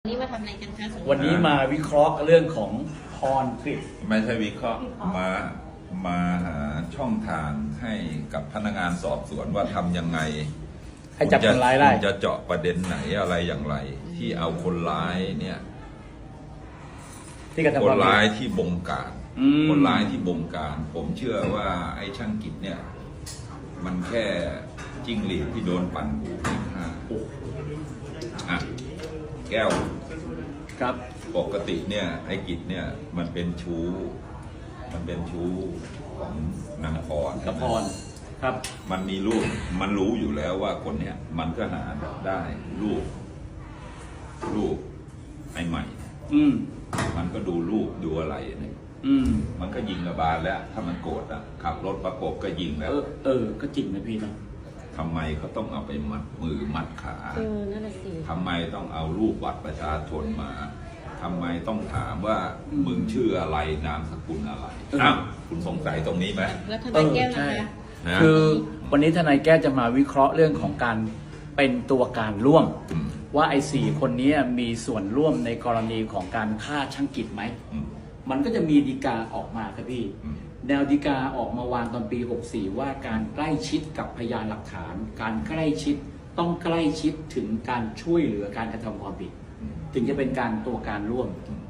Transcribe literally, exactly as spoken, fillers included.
นี่มาทำอะไรกันคะสงวันนี้มาวิเคราะห์เรื่องของพรกฤษไม่ใช่วิเคราะห์มามาหาช่องทางให้กับพนักงานสอบสวนว่าทำยังไงให้จับคนร้ายได้คุณจะเจาะประเด็นไหนอะไรอย่างไร ที่เอาคนร้ายเนี่ยที่กระทำคคน วามร้ายผิดที่บงการอืมคนร้ายที่บงการ ผมเชื่อว่าไอ้ช่างกิจเนี่ย มันแค่จิ้งหรีดที่โดนปั่นหูไปฆ่าอ่ะแก้วครับปกติเนี่ยไอ้กิจเนี่ยมันเป็นชู้ มันเป็นชู้ของนางพรกับพรครับมันมีรูปมันรู้อยู่แล้วว่าคนเนี้ยมันก็หาได้รูปรูปไอ้ใหม่อืมมันก็ดูรูปดูอะไรเนี่ยอืมมันก็ยิงระบาลแล้ว ถ้ามันโกรธอ่ะขับรถประกบก็ยิงแล้เอวอเออก็จริงนะพี่นะทำไมเขาต้องเอาไปมัดมือมัดขาเออนั่นแหละสิทำไมต้องเอารูปบัตรประชาชนมาทำไมต้องถามว่ามึงชื่ออะไรนามสกุลอะไรอ้าวคุณสงสัยตรงนี้ไหมแล้วทนายแก้วนะคะนะคือวันนี้ทนายแก้วจะมาวิเคราะห์เรื่องของการเป็นตัวการร่วมอืมว่าไอ้สี่คนนี้มีส่วนร่วมในกรณีของการฆ่าช่างกิจไหมอืมมันก็จะมีฎีกาออกมาครับพี่อืมแนวฎีกาออกมาวางตอนปี หกสี่ ว่าการใกล้ชิดกับพยานหลักฐาน การใกล้ชิดต้องใกล้ชิดถึงการช่วยเหลือการกระทำความผิดอืมถึงจะเป็นการตัวการร่วมอืม